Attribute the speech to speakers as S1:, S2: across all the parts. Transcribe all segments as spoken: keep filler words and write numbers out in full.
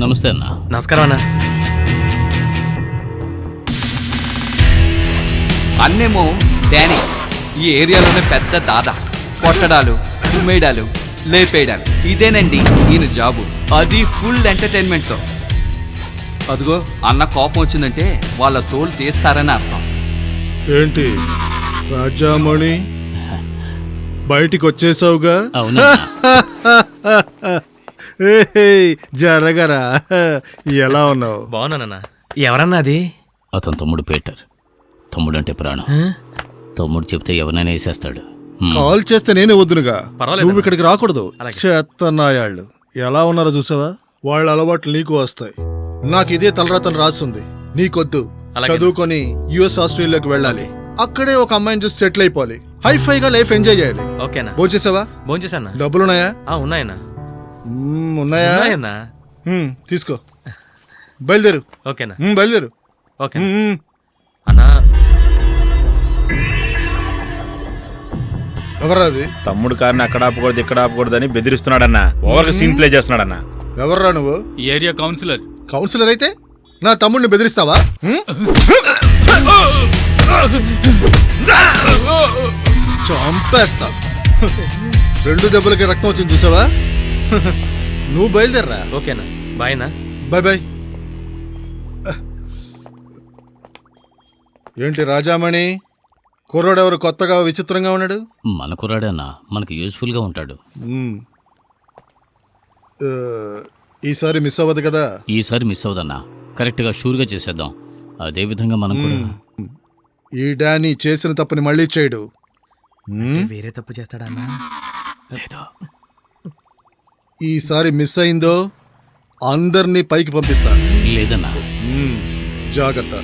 S1: నమస్తే అన్న.
S2: నమస్కారం అన్న.
S3: అన్నేమో డానీ ఈ ఏరియాలోనే పెద్ద దాదా. కొట్టడాలు, ఉమ్మేయడాలు, లేపేయడాలు, ఇదేనండి ఈయన జాబు. అది ఫుల్ ఎంటర్టైన్మెంట్తో. అదిగో అన్న కోపం వచ్చిందంటే వాళ్ళ తోలు తీస్తారని అర్థం.
S4: ఏంటి రాజామణి బయటికి వచ్చేసావుగా?
S1: అవునా?
S4: జరగరా, ఎలా ఉన్నావు?
S2: బాగున్నానన్నా. ఎవరన్నా అది?
S1: అతను తమ్ముడు పీటర్. తమ్ముడు అంటే ప్రాణం. తమ్ముడు చెప్తే ఎవరినైనా వేసేస్తాడు.
S4: కాల్ చేస్తే నేనే వద్దునుగా.
S2: పర్వాలేదు.
S4: నువ్వు ఇక్కడికి రాకూడదు.
S2: అలాగే.
S4: చేత్తన్నాయాళ్ళు ఎలా ఉన్నారో చూసావా? వాళ్ళ అలవాట్లు నీకు వస్తాయి. నాకు ఇదే తలరాతను రాస్తుంది. నీకొద్దు.
S2: అలాగే.
S4: చదువుకొని యుఎస్ ఆస్ట్రేలియాకి వెళ్ళాలి. అక్కడే ఒక అమ్మాయిని చూసి సెటిల్ అయిపోవాలి. హైఫై గా లైఫ్ ఎంజాయ్ చేయాలి.
S2: ఓకేనా?
S4: భోంచేసావా?
S2: భోంచేసన్నా.
S4: డబ్బులున్నాయా?
S2: ఆ, ఉన్నాయన్నా.
S4: మ్మ్, ఉన్నాయా?
S2: ఉన్నాయన్నా.
S4: మ్మ్, తీసుకో. బయలుదేరు.
S2: ఓకేనా?
S4: మ్మ్, బయలుదేరు.
S2: ఓకే
S4: మ్మ్.
S2: అన్నా.
S4: ఎవర్రా అది?
S5: తమ్ముడు కారుని అక్కడ ఆపకూడదు ఇక్కడ ఆపకూడదని బెదిరిస్తున్నాడన్న. ఓవర్ సీన్ ప్లే చేస్తున్నాడన్న.
S4: ఎవర్రా నువ్వు?
S6: ఈ ఏరియా కౌన్సిలర్.
S4: కౌన్సిలర్ అయితే నా తమ్ముడిని బెదిరిస్తావా? మ్మ్? చంపేస్తా. రెండు దెబ్బలకి రక్తం వచ్చింది చూసావా? నువ్వు బయలుదేరరా.
S2: ఓకేనా? బాయ్నా.
S4: Bye bye. ఏంటి రాజామణి, కుర్రోడెవరు కొత్తగా విచిత్రంగా ఉన్నాడు?
S1: మన కుర్రాడే అన్న, మనకు యూజ్ఫుల్ గా ఉంటాడు.
S4: మ్మ్. ఆ, ఈసారి మిస్ అవ్వదు కదా?
S1: ఈసారి మిస్ అవ్వదన్నా. కరెక్ట్ గా షూర్ గా చేసేద్దాం. అదే విధంగా మనం కూడా.
S4: మ్మ్. ఈ డానీ చేసిన తప్పుని మళ్ళీ చేయడు. మ్మ్.
S2: వేరే తప్పు చేస్తాడా అన్నా?
S1: లేదో.
S4: ఈసారి మిస్ అయిందో అందరినీ పైకి పంపిస్తా.
S1: లేదన్నా.
S4: మ్మ్. జాగ్రత్త.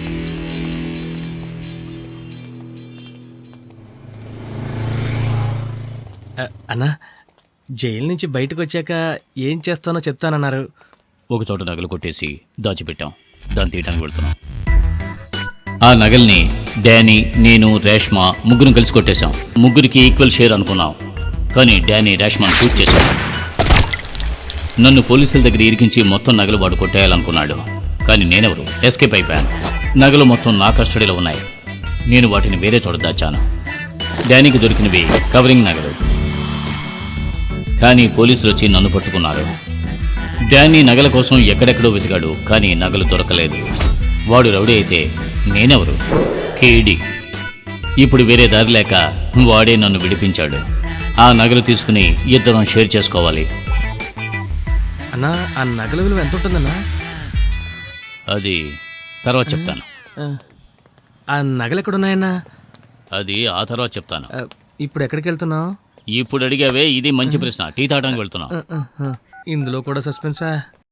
S2: అన్నా, జైలు నుంచి బయటకు వచ్చాక ఏం చేస్తానో చెప్తానన్నారు.
S1: ఒక చోట నగలు కొట్టేసి దాచిపెట్టాం. దాన్ని తీయడానికి వెళ్తున్నాం. ఆ నగల్ని డానీ, నేను, రేష్మ ముగ్గురు కలిసి కొట్టేశాం. ముగ్గురికి ఈక్వల్ షేర్ అనుకున్నాం. కానీ డానీ రేష్మను షూట్ చేశాడు. నన్ను పోలీసుల దగ్గర ఇరికించి మొత్తం నగలు వాడు కొట్టేయాలనుకున్నాడు. కానీ నేనెవరు? ఎస్కేప్ అయిపోయాను. నగలు మొత్తం నా కస్టడీలో ఉన్నాయి. నేను వాటిని వేరే చోట దాచాను. డానీకి దొరికినవి కవరింగ్ నగలు. కానీ పోలీసులు వచ్చి నన్ను పట్టుకున్నారు. డానీ నగల కోసం ఎక్కడెక్కడో వెతికాడు. కానీ నగలు దొరకలేదు. వాడు రౌడీ అయితే నేనెవరు? కేడి. ఇప్పుడు వేరే దారి లేక వాడే నన్ను విడిపించాడు. ఆ నగలు తీసుకుని ఇద్దరం షేర్ చేసుకోవాలి.
S2: అన్నా, ఆ నగల విలువ ఎంత ఉంటుందన్నా?
S1: అది తర్వాత చెప్తాను.
S2: ఆ నగలు ఎక్కడున్నాయన్నా?
S1: అది ఆ తర్వాత చెప్తాను.
S2: ఆ, ఇప్పుడు ఎక్కడికి వెళ్తున్నావు?
S1: ఇప్పుడు అడిగావే, ఇది మంచి ప్రశ్న. టీ తాగడానికి వెళ్తున్నాం.
S2: ఇందులో కూడా సస్పెన్సా?